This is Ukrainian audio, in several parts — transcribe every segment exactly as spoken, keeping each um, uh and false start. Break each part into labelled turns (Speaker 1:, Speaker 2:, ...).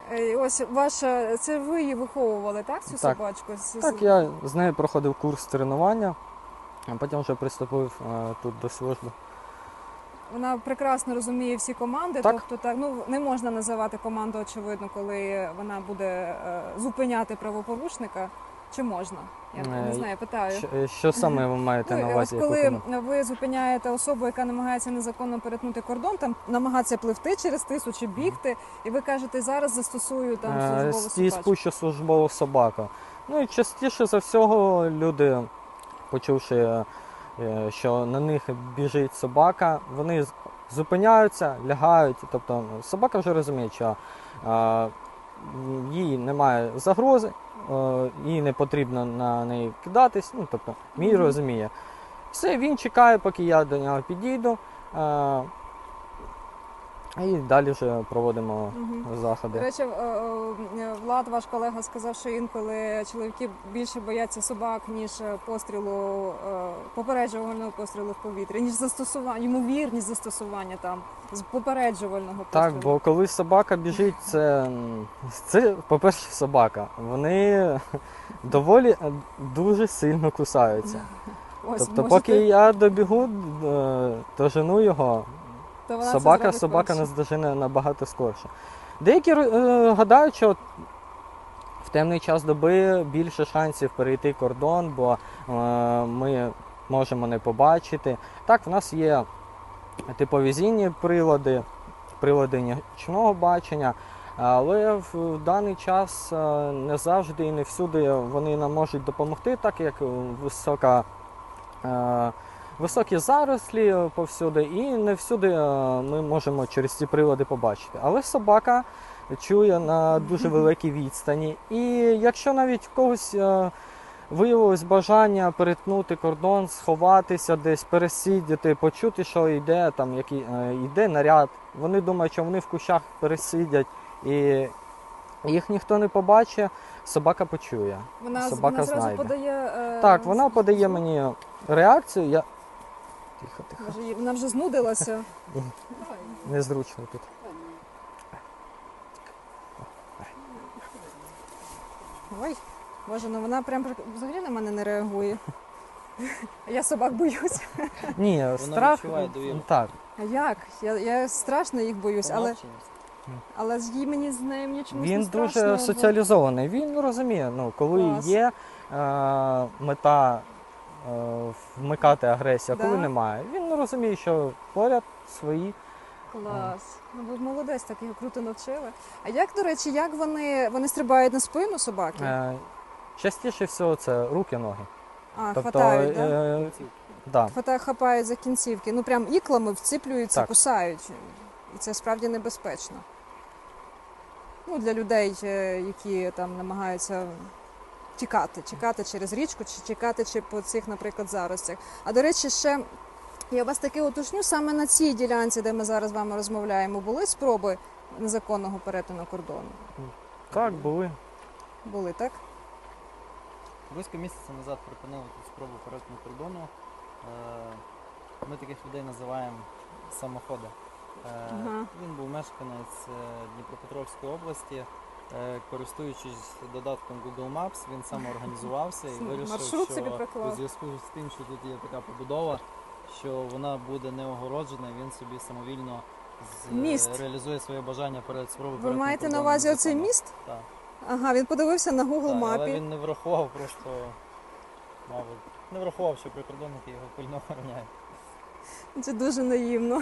Speaker 1: Е, Ось ваша, це ви її виховували, так, цю
Speaker 2: Так.
Speaker 1: собачку? З- з-
Speaker 2: Так, я з нею проходив курс тренування, а потім вже приступив е, тут до служби.
Speaker 1: Вона прекрасно розуміє всі команди,
Speaker 2: Так.
Speaker 1: тобто так, ну, не можна називати команду, очевидно, коли вона буде е, зупиняти правопорушника. Чи можна? Я не
Speaker 2: Е,
Speaker 1: знаю, питаю.
Speaker 2: Що, що саме ви маєте
Speaker 1: Ну,
Speaker 2: на
Speaker 1: ось
Speaker 2: увазі? яку
Speaker 1: коли
Speaker 2: команду?
Speaker 1: ви зупиняєте особу, яка намагається незаконно перетнути кордон, там намагається пливти через тису чи бігти, і ви кажете, зараз застосую там
Speaker 2: Е,
Speaker 1: службову
Speaker 2: Стій
Speaker 1: собачку.
Speaker 2: спущу службову собаку. Ну і частіше за всього люди, почувши, е, що на них біжить собака, вони з- зупиняються, лягають. Тобто собака вже розуміє, що е, їй немає загрози, е, їй не потрібно на неї кидатись. Ну, тобто, мій
Speaker 1: Мгм.
Speaker 2: розуміє. Все, він чекає, поки я до нього підійду. Е, і далі вже проводимо
Speaker 1: Мгм. До
Speaker 2: заходи.
Speaker 1: речі, е, е, Влад, ваш колега, сказав, що інколи чоловіки більше бояться собак, ніж пострілу, е, попереджувального пострілу в повітря, ніж застосування, ймовірність застосування там з попереджувального пострілу.
Speaker 2: Так, бо коли собака біжить, це, м, це по-перше, собака. Вони доволі е, дуже сильно кусаються.
Speaker 1: Ось,
Speaker 2: Тобто,
Speaker 1: можете-
Speaker 2: поки я добігу, е, дожену його,
Speaker 1: то вона це
Speaker 2: собака,
Speaker 1: зробить
Speaker 2: собака
Speaker 1: перша.
Speaker 2: нас дожене набагато скорше. Деякі е, гадають, що в темний час доби більше шансів перейти кордон, бо е, ми можемо не побачити. Так, в нас є тепловізійні прилади, прилади нічного бачення, але в даний час е, не завжди і не всюди вони нам можуть допомогти, так як висока, е, високі зарослі повсюди, і не всюди е, ми можемо через ці прилади побачити. Але собака чує на дуже великій відстані. І якщо навіть в когось е, виявилось бажання перетнути кордон, сховатися десь, пересидіти, почути, що йде, там, який, е, йде наряд, вони думають, що вони в кущах пересидять, і їх ніхто не побачить, собака почує.
Speaker 1: Вона, з-
Speaker 2: собака
Speaker 1: вона зразу
Speaker 2: знайде.
Speaker 1: подає. е,
Speaker 2: Так, вона подає
Speaker 1: звук.
Speaker 2: мені реакцію, я... Тихо, тихо,
Speaker 1: Може, їй- Вона вже знудилася.
Speaker 2: незручно тут.
Speaker 1: Ой, боже, ну вона прям прик- взагалі на мене не реагує. Я собак боюсь.
Speaker 2: Ні,
Speaker 3: Вона
Speaker 2: страх,
Speaker 3: відчуває довіру.
Speaker 2: так,
Speaker 1: А як? Я, я страшно їх боюсь, але,
Speaker 3: Помовченість.
Speaker 1: але з їй мені з нею мені чомусь
Speaker 2: він
Speaker 1: не страшно.
Speaker 2: дуже
Speaker 1: бо-
Speaker 2: соціалізований, він розуміє, ну, коли
Speaker 1: Клас.
Speaker 2: є е, мета е, вмикати агресію, а коли
Speaker 1: Да?
Speaker 2: немає. Він розуміє, що поряд свої.
Speaker 1: Клас. Ну, ви молодець, так його круто навчили. А як, до речі, як вони, вони стрибають на спину собаки?
Speaker 2: Е, частіше всього це руки-ноги.
Speaker 1: А,
Speaker 2: Тобто,
Speaker 1: хватають, да?
Speaker 2: е, да.
Speaker 1: Хватає, хапають за кінцівки. Ну прям іклами вціплюються,
Speaker 2: Так.
Speaker 1: кусають. І це справді небезпечно. Ну, для людей, е, які там намагаються тікати, тікати через річку, чи тікати чи по цих, наприклад, заростях. А до речі, ще я вас таки уточню, саме на цій ділянці, де ми зараз з вами розмовляємо, були спроби незаконного перетину кордону?
Speaker 2: Так, були.
Speaker 1: Були, так?
Speaker 3: Близько місяця назад припинили тут спробу перетину кордону. Е, Ми таких людей називаємо самоходи. Е,
Speaker 1: Ага.
Speaker 3: Він був мешканець е, Дніпропетровської області. Е, Користуючись додатком Google Maps, він самоорганізувався і вирішив,
Speaker 1: Маршрут
Speaker 3: що
Speaker 1: собі проклав.
Speaker 3: у зв'язку з тим, що тут є така побудова, що вона буде не огороджена, він собі самовільно з-
Speaker 1: Міст.
Speaker 3: реалізує своє бажання перед спробою
Speaker 1: Ви
Speaker 3: перетину
Speaker 1: маєте на
Speaker 3: кордону
Speaker 1: увазі оцей
Speaker 3: незаконно.
Speaker 1: міст?
Speaker 3: Так.
Speaker 1: Ага, він подивився на Google
Speaker 3: Так, але
Speaker 1: мапі.
Speaker 3: він не врахував просто, мабуть, не врахував, що прикордонники його пильно охороняють.
Speaker 1: Це дуже наївно.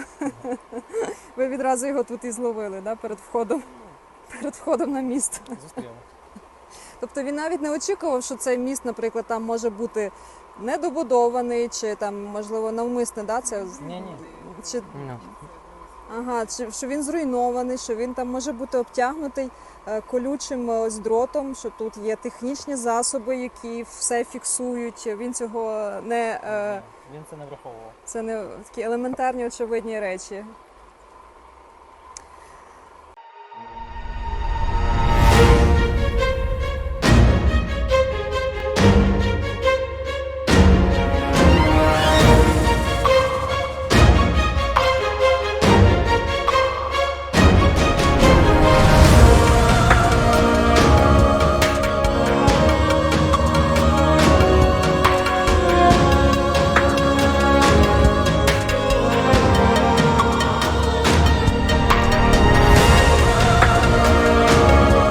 Speaker 1: Ви відразу його тут і зловили, да, перед входом, перед входом на міст.
Speaker 3: Зустріли.
Speaker 1: Тобто він навіть не очікував, що цей міст, наприклад, там може бути недобудований, чи там, можливо, навмисне, да, це
Speaker 3: Ні-ні.
Speaker 1: чи
Speaker 2: Ну,
Speaker 1: ага, чи що він зруйнований, що він там може бути обтягнутий е, колючим е, ось дротом, що тут є технічні засоби, які все фіксують. Він цього не е,
Speaker 3: Він це не враховував.
Speaker 1: це не такі елементарні очевидні речі.